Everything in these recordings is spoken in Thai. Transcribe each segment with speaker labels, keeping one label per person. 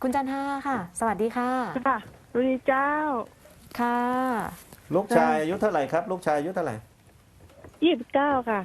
Speaker 1: คุณจันทาค่ะ สวัสดีค่ะ
Speaker 2: ค่ะสวัสดีเจ้า
Speaker 1: ค่ะ
Speaker 3: ลูกชายอายุเท่าไหร่ครับลูกชายอายุเท่าไหร่
Speaker 2: 29ค่ะ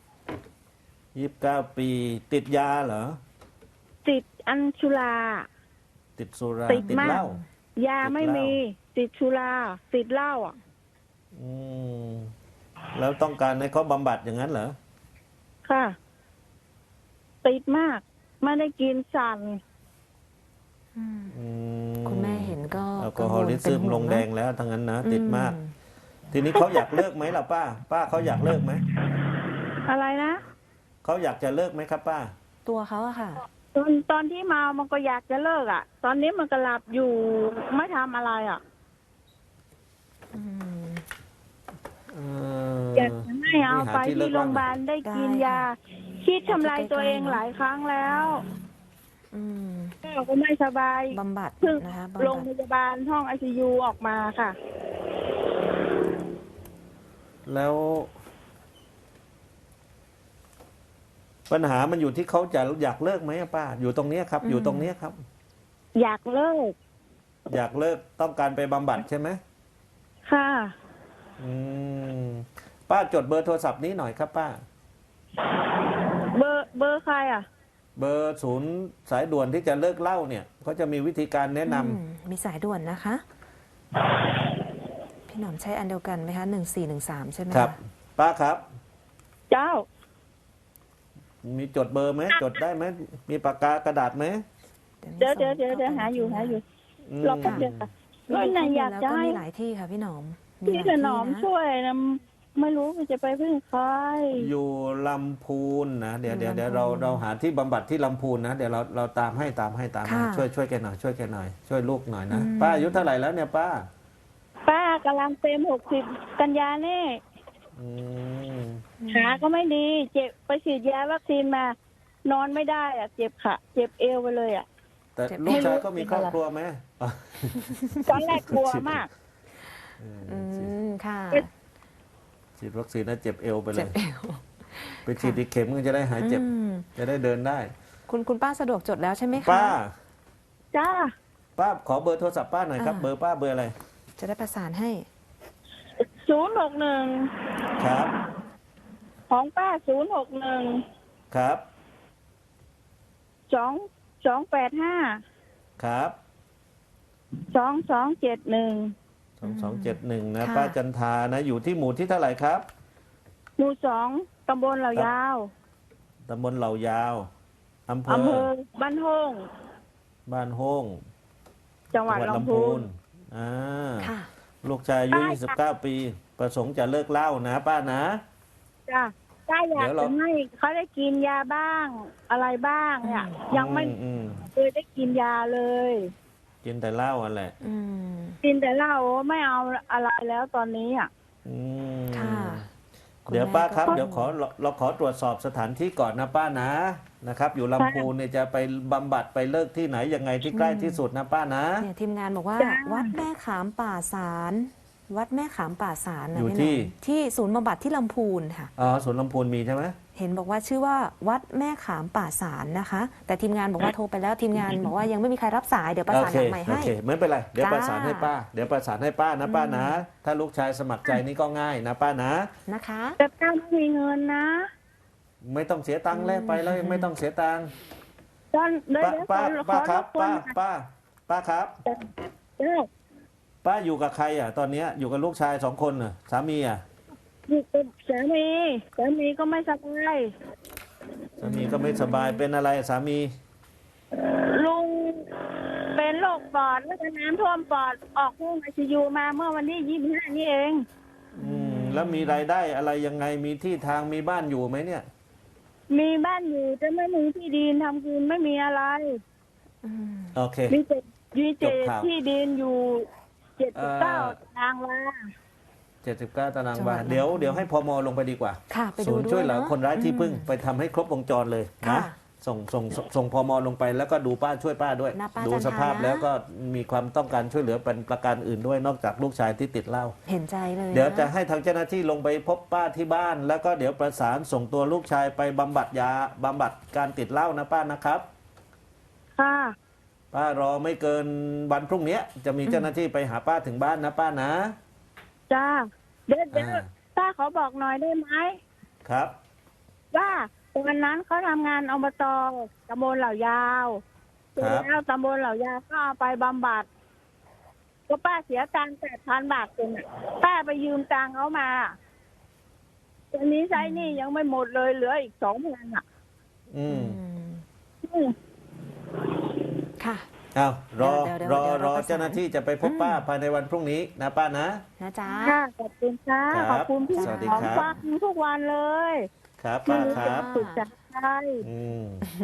Speaker 3: 29 ปีติดยาเหรอ
Speaker 2: ติดอัญชุลา
Speaker 3: ติดสุรา
Speaker 2: ติด
Speaker 3: ติด
Speaker 2: มา
Speaker 3: เหล้า
Speaker 2: กยา
Speaker 3: ติดเหล้า
Speaker 2: ไม่มีติดชุลาติดเหล้าอ่ะ
Speaker 3: อืมแล้วต้องการให้เขาบำบัดอย่างนั้นเหรอ
Speaker 2: ค่ะ ติดมากไม่ได้กินสั่น
Speaker 3: อื
Speaker 1: คุณแม่เห็นก็
Speaker 3: แอลกอฮอลิซึมลงแดงแล้วทั้งนั้นนะติดมาก
Speaker 1: อื
Speaker 3: ทีนี้เขาอยากเลิกไหมล่ะป้าเขาอยากเลิกไหม
Speaker 2: อะไรนะ
Speaker 3: เขาอยากจะเลิกไหมครับป้า
Speaker 1: ตัวเขาอะค่ะ
Speaker 2: ตอนที่เมามันก็อยากจะเลิกอ่ะ ตอนนี้มันก็หลับอยู่ไม่ทำอะไรอ่ะ
Speaker 1: อืม
Speaker 2: อยากจะให้เอาไปที่โรงพยาบาลได้กินยา คิดทำลายตัวเองหลายครั้งแล้ว
Speaker 1: อืม
Speaker 2: ก็ไม่สบาย
Speaker 1: บำบัด
Speaker 2: เพิ่ง
Speaker 1: นะคะ
Speaker 2: โรง
Speaker 1: บำ
Speaker 2: พ
Speaker 1: บัด
Speaker 2: ยาบาลห้อง ICU ออกมาค่ะ
Speaker 3: แล้ว ปัญหามันอยู่ที่เขาจะอยากเลิกไหมอะป้า อยู่ตรงเนี้ยครับ อยู่ตรงเนี้ยครับ
Speaker 2: อยากเลิก
Speaker 3: อยากเลิกต้องการไปบำบัดใช่ไหม
Speaker 2: ค่ะ
Speaker 3: อืมป้าจดเบอร์โทรศัพท์นี้หน่อยครับป้า
Speaker 2: เบอร์ใครอ่ะ
Speaker 3: เบอร์ศูนย์สายด่วนที่จะเลิกเหล้าเนี่ยเขาจะมีวิธีการแนะนำ
Speaker 1: มีสายด่วนนะคะ พี่หนอมใช้อันเดียวกันไหมคะ1413ใช่ไหม
Speaker 3: ครับ
Speaker 1: ะ
Speaker 3: ป้าครับ
Speaker 2: เจ้า
Speaker 3: มีจดเบอร์ไหมจดได้ไหมมีปากกากระดาษไหม
Speaker 2: เดี๋ยวหาอยู่
Speaker 3: อืม
Speaker 2: รอแป๊บเดียวค่ะก็ไหนอยากจะ
Speaker 1: แล้ว
Speaker 2: ให้
Speaker 1: มีหลายที่ค่ะพี่หนอมมี
Speaker 2: พี่
Speaker 1: หลาย
Speaker 2: ถ
Speaker 1: ที่
Speaker 2: นอม
Speaker 1: นะ
Speaker 2: ช่วยนะไม่รู้ว่าจะไปพึ่งใคร
Speaker 3: อยู่ลำพูนนะเดี๋ยว
Speaker 1: อยู่
Speaker 3: เดี๋ยว
Speaker 1: ลำพูน
Speaker 3: เราหาที่บำบัดที่ลำพูนนะเดี๋ยวเราตามให้
Speaker 1: ค่ะ
Speaker 3: ช่วยแกหน่อยช่วยแกหน่อยช่วยลูกหน่อยนะป้าอายุเท่าไหร่แล้วเนี่ยป้า
Speaker 2: ป้ากำลังเต็ม60 กันยานี่
Speaker 3: อืม
Speaker 2: ขาก็ไม่ดี เจ็บไปฉีดยาวัคซีนมา นอนไม่ได้อ่ะ เจ็บขาเจ็บเอวไปเลยอ่ะ
Speaker 3: แต่ลูกชายก็มีครอบครัวไหมอ๋อ
Speaker 2: ตอนแรกกลัวมาก
Speaker 1: อืมค่ะ
Speaker 3: ฉีดวัคซีนแล้วเจ็บเอวไปเล
Speaker 1: เจ็บ
Speaker 3: ย
Speaker 1: เอว
Speaker 3: ไปฉีดอีกเข็มก็จะได้หายเจ็บ
Speaker 1: อืม
Speaker 3: จะได้เดินได้
Speaker 1: คุณป้าสะดวกจดแล้วใช่ไหมคะ
Speaker 3: ป้า
Speaker 2: จ้า
Speaker 3: ป้าขอเบอร์โทรศัพท์ป้าหน่อยครับ เบอร์ป้าเบอร์อะไร
Speaker 1: จะได้ประสานให้
Speaker 2: 061
Speaker 3: ครับ
Speaker 2: ของป้า061
Speaker 3: ครับ
Speaker 2: 285
Speaker 3: ครับ
Speaker 2: 2271
Speaker 3: 2271นะ
Speaker 1: ค่ะ
Speaker 3: ป้าจันทานะอยู่ที่หมู่ที่เท่าไหร่ครับ
Speaker 2: หมู่2 ตำบลเหล่ายาว
Speaker 3: ตำบลเหล่ายาวอำเภ
Speaker 2: อำเภ
Speaker 3: อ
Speaker 2: อบ้านห้อง
Speaker 3: บ้านโฮ่ง
Speaker 2: จังหวัดลำพูน
Speaker 3: อ่า
Speaker 1: ค่ะ
Speaker 3: ลูกชายอายุ
Speaker 2: ป้า
Speaker 3: 29 ปี ประสงค์จะเลิกเหล้านะป้านะ
Speaker 2: จ้ะถ้าอยาก
Speaker 3: เดี๋ยวเรา
Speaker 2: จะให้เขาได้กินยาบ้าง อะไรบ้างเนี่ย ยังไม่
Speaker 3: อืม
Speaker 2: เคยได้กินยาเลย
Speaker 3: กินแต่เหล้าอันแหละ
Speaker 1: อืม
Speaker 2: กินแต่เหล้าไม่เอาอะไรแล้วตอนนี้อ่ะ
Speaker 3: อืม
Speaker 1: ค่ะ
Speaker 3: เดี๋ยว
Speaker 1: คุณแม่
Speaker 3: ป้าครับ
Speaker 1: ก็
Speaker 3: เดี๋ยวเราขอตรวจสอบสถานที่ก่อนนะป้านะครับ อยู่ลำพูนเนี่ยจะไปบำบัดไปเลิกที่ไหนยังไงที่ใกล้ที่สุดนะป้านะ
Speaker 1: เนี่ยทีมงานบอกว่า
Speaker 2: จ้า
Speaker 1: วัดแม่ขามป่าสารวัดแม่ขามป่าสารนะ
Speaker 3: อยู่
Speaker 1: พี่หน
Speaker 3: ที่
Speaker 1: มที่ศูนย์บำบัดที่ลำพูนค่ะ
Speaker 3: อ๋อสวนลำพูนมีใช่ไหม
Speaker 1: เห็นบอกว่าชื่อว่าวัดแม่ขามป่าสารนะคะ แต่ทีมงานบอกว่าโทรไปแล้วทีมงานบอกว่ายังไม่มีใครรับสายเดี๋ยวประสานหลังใหม่
Speaker 3: โอ
Speaker 1: ให้
Speaker 3: เคไม่เป็นไรเดี๋ยว
Speaker 1: จ้า
Speaker 3: ประสานให้ป้าเดี๋ยวประสานให้ป้านะป้านะ ถ้าลูกชายสมัครใจนี่ก็ง่ายนะป้านะ
Speaker 1: นะคะ
Speaker 2: แต่ป้าไม่มีเงินนะ
Speaker 3: ไม่ต้องเสียตังค์แล้วไปแล้วไม่ต้องเสียตังค์
Speaker 2: ตอนเดี๋ยว
Speaker 3: ป้า
Speaker 2: เดี๋ยว
Speaker 3: ป้า
Speaker 2: ขอ
Speaker 3: ครับ
Speaker 2: รบกวน
Speaker 3: ป้าครับ
Speaker 2: เดี๋ยว
Speaker 3: ป้าอยู่กับใครอ่ะตอนเนี้ยอยู่กับลูกชาย2 คนเหรอสามีอ่ะ
Speaker 2: อยู่กับสามีก็ไม่สบาย
Speaker 3: สามีก็ไม่สบายเป็นอะไรสามี
Speaker 2: ลุงเป็นโรคปอดแล้วก็น้ำท่วมปอดออกห้อง ICU มาเมื่อวันที่25นี่เอง
Speaker 3: แล้วมีรายได้อะไรยังไงมีที่ทางมีบ้านอยู่ไหมเนี่ย
Speaker 2: มีบ้านอยู่แต่ไม่มีที่ดินทำกินไม่มีอะไร
Speaker 1: อืม
Speaker 3: โอเค
Speaker 2: มีแต่
Speaker 3: จบข่าว
Speaker 2: ที่ดินอยู่79 ตารางวา
Speaker 3: 79 ตาราง
Speaker 1: จังหวั
Speaker 3: วา
Speaker 1: ด
Speaker 3: เดี๋ยว
Speaker 1: ลำพูน
Speaker 3: เดี๋ยวให้พมลงไปดีกว่า
Speaker 1: ค่ะไป
Speaker 3: ศู
Speaker 1: ดู
Speaker 3: นย์
Speaker 1: ด้
Speaker 3: ช่
Speaker 1: ว
Speaker 3: วย ยเหลือ
Speaker 1: เนาะ
Speaker 3: คนร้ายที่พึ่ง
Speaker 1: อืม
Speaker 3: ไปทำให้ครบวงจรเลย
Speaker 1: ค่ะ
Speaker 3: นะส่งพมลงไปแล้วก็ดูป้าช่วยป้าด้วย
Speaker 1: นะป้า
Speaker 3: ดู
Speaker 1: จันทา
Speaker 3: สภาพ
Speaker 1: นะ
Speaker 3: แล้วก็มีความต้องการช่วยเหลือเป็นประการอื่นด้วยนอกจากลูกชายที่ติดเหล้า
Speaker 1: เห็นใจเลย
Speaker 3: เดี๋ยวจะ
Speaker 1: น
Speaker 3: ให้ทางเจ้าหน้าที่ลงไปพบป้าที่บ้าน แล้วก็เดี๋ยวประสานส่งตัวลูกชายไปบำบัดการติดเหล้านะป้านะครับ
Speaker 2: ค่ะ
Speaker 3: ป้ารอไม่เกินวันพรุ่งนี้จะมีเจ้าหน้าที่ไปหาป้าถึงบ้านนะป้านะ
Speaker 2: จ้าเดี๋ยว
Speaker 3: อ่า
Speaker 2: ป้าขอบอกหน่อยได้ไหม
Speaker 3: ครับ
Speaker 2: ว่าวันนั้นเขาทำงานอบตตำบลเหล่ายาว
Speaker 3: ครับ
Speaker 2: แล้วตำบลเหล่ายาวก็เอาไปบำบัดก็ป้าเสียตังค์8,000 บาทเองอะป้าไปยืมตังค์เขามาตอนนี้ใช้หนี่ยังไม่หมดเลยเหลืออีก2,000อ่ะ
Speaker 3: อืม
Speaker 2: อืม
Speaker 1: ค่ะ
Speaker 3: เอารอ
Speaker 1: เดี๋ยว
Speaker 3: รอ
Speaker 1: เดี๋ยว
Speaker 3: รอ
Speaker 1: ประสาน
Speaker 3: เจ้าหน้าที่จะไปพบป้าภายในวันพรุ่งนี้นะป้านะ
Speaker 1: นะจ๊ะ
Speaker 2: ค่ะขอบคุณค่ะ
Speaker 3: ครับ
Speaker 2: ขอบคุณที่
Speaker 3: สวัสดี
Speaker 2: ของ
Speaker 3: ครับ
Speaker 2: ฟังทุกวันเลย
Speaker 3: ครับ
Speaker 2: ไม่
Speaker 3: ป้า
Speaker 2: รู้
Speaker 3: ค
Speaker 2: จะ
Speaker 3: รับ
Speaker 2: สุขใจ
Speaker 3: อืม